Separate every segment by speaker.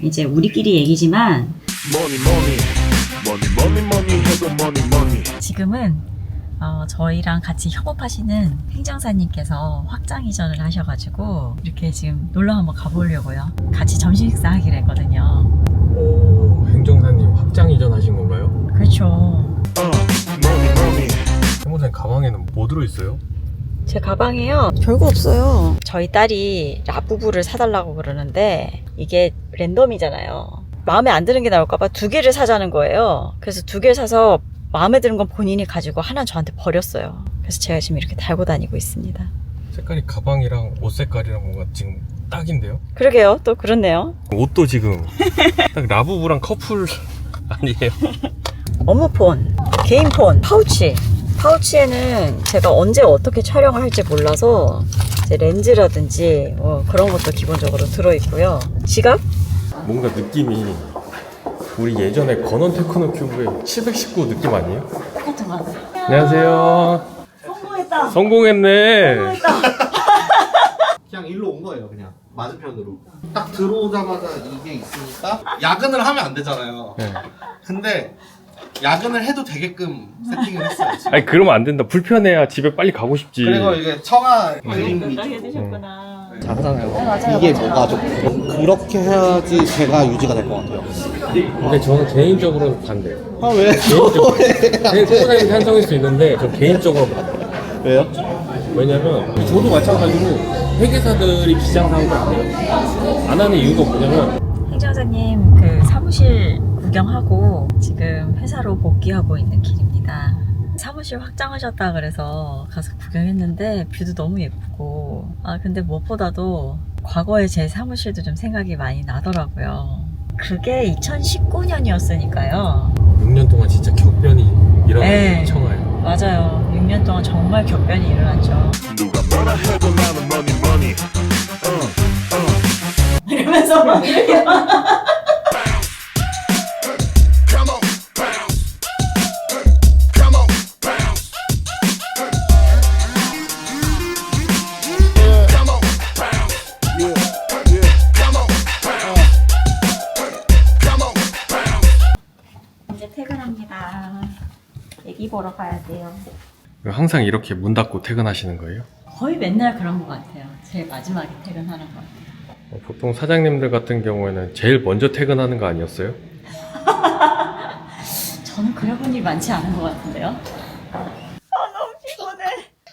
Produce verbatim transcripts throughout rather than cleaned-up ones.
Speaker 1: 이제 우리끼리 얘기지만 지금은 어, 저희랑 같이 협업하시는 행정사님께서 확장 이전을 하셔가지고 이렇게 지금 놀러 한번 가보려고요. 같이 점심 식사하기로 했거든요.
Speaker 2: 오, 행정사님 확장 이전하신 건가요?
Speaker 1: 그렇죠.
Speaker 2: 행정사님 가방에는 뭐 들어있어요?
Speaker 1: 제 가방에요, 별거 없어요. 저희 딸이 라부부를 사달라고 그러는데 이게 랜덤이잖아요. 마음에 안 드는 게 나올까봐 두 개를 사자는 거예요. 그래서 두 개를 사서 마음에 드는 건 본인이 가지고 하나는 저한테 버렸어요. 그래서 제가 지금 이렇게 달고 다니고 있습니다.
Speaker 2: 색깔이 가방이랑 옷 색깔이랑 뭔가 지금 딱인데요?
Speaker 1: 그러게요. 또 그렇네요.
Speaker 2: 옷도 지금 딱 라부부랑 커플 아니에요?
Speaker 1: 업무폰, 개인폰, 파우치. 파우치에는 제가 언제 어떻게 촬영을 할지 몰라서 이제 렌즈라든지 뭐 그런 것도 기본적으로 들어있고요. 지갑?
Speaker 2: 뭔가 느낌이 우리 예전에 건원 테크노 큐브의 칠백십구 느낌 아니에요?
Speaker 1: 똑같은 거 같아요.
Speaker 2: 안녕하세요.
Speaker 1: 성공했다.
Speaker 2: 성공했네.
Speaker 1: 성공했다.
Speaker 3: 그냥 일로 온 거예요. 그냥 맞은편으로 딱 들어오자마자 이게 있으니까 야근을 하면 안 되잖아요.
Speaker 2: 네.
Speaker 3: 근데 야근을 해도 되게끔 세팅을 했어요 지금.
Speaker 2: 아니 그러면 안 된다. 불편해야 집에 빨리 가고 싶지.
Speaker 3: 그리고 이게 청아 그림이
Speaker 1: 딱 해주셨구나.
Speaker 3: 작잖아요. 이게 뭐가 좀 그렇게 해야지 제가 유지가 될 것 같아요.
Speaker 2: 근데 저는 개인적으로는 반대요.
Speaker 3: 아 왜?
Speaker 2: 개인적으로. 행정사님 찬성일 수 있는데 저 개인적으로 반대요.
Speaker 3: 왜요?
Speaker 2: 왜냐면 저도 마찬가지로 회계사들이 비상사업을 안 해요. 안 하는 이유가 뭐냐면
Speaker 1: 행정사님 그 사무실 구경하고 지금 회사로 복귀하고 있는 길입니다. 사무실 확장하셨다 그래서 가서 구경했는데 뷰도 너무 예쁘고 아 근데 무엇보다도 과거에 제 사무실도 좀 생각이 많이 나더라고요. 그게 이천십구 년이었으니까요.
Speaker 2: 육 년 동안 진짜 격변이 일어난
Speaker 1: 네.
Speaker 2: 청아예요.
Speaker 1: 맞아요. 육 년 동안 정말 격변이 일어났죠.
Speaker 4: 누가 뭐라 해도 나는 money money.
Speaker 1: 이러면서 막 이렇게 막
Speaker 4: Come on, bounce. Come on, bounce. Come on, bounce. Yeah, yeah. Come on, bounce. Come on, bounce.
Speaker 1: 이제 퇴근합니다. 애기 보러 가야 돼요.
Speaker 2: 항상 이렇게 문 닫고 퇴근하시는 거예요?
Speaker 1: 거의 맨날 그런 것 같아요. 제일 마지막에 퇴근하는 것 같아요.
Speaker 2: 어, 보통 사장님들 같은 경우에는 제일 먼저 퇴근하는 거 아니었어요?
Speaker 1: 저는 그래 본 일이 많지 않은 것 같은데요. 아 너무 피곤해.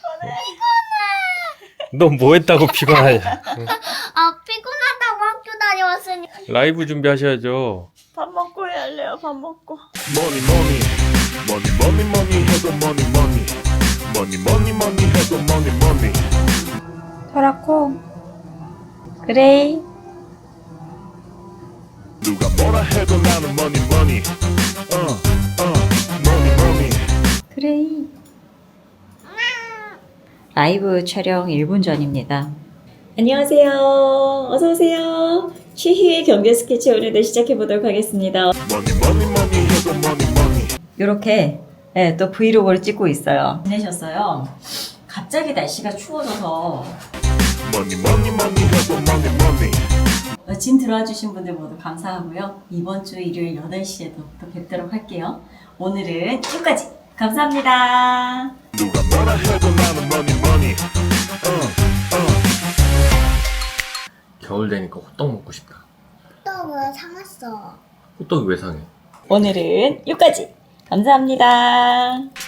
Speaker 2: 너 뭐 했다고 피곤하냐?
Speaker 5: 아 피곤하다고 학교 다녀왔으니
Speaker 2: 라이브 준비하셔야죠.
Speaker 1: 밥 먹고 해야 할래요. 밥 먹고.
Speaker 4: Money money. Money money money 해도 money money. Money money money 해도 money money.
Speaker 1: 토라코. 그레이.
Speaker 4: 누가 뭐라 해도 나는 money money. Uh, uh, money money.
Speaker 1: 그레이. 라이브 촬영 일 분 전입니다. 안녕하세요. 어서오세요. 최희의 경제 스케치 오늘도 시작해보도록 하겠습니다.
Speaker 4: Money money money 해도 money money.
Speaker 1: 이렇게 네, 또 브이로그를 찍고 있어요. 지내셨어요? 갑자기 날씨가 추워져서
Speaker 4: Money money money 해도 money money.
Speaker 1: 진 들어와 주신 분들 모두 감사하고요. 이번 주 일요일 여덟 시에도 또 뵙도록 할게요. 오늘은 여기까지. 감사합니다.
Speaker 4: 누가 뭐라 해도 나는 money money. Uh, uh.
Speaker 2: 겨울 되니까 호떡 먹고 싶다.
Speaker 5: 떡을 사놨어.
Speaker 2: 호떡이 왜 상해?
Speaker 1: 오늘은 여기까지. 감사합니다.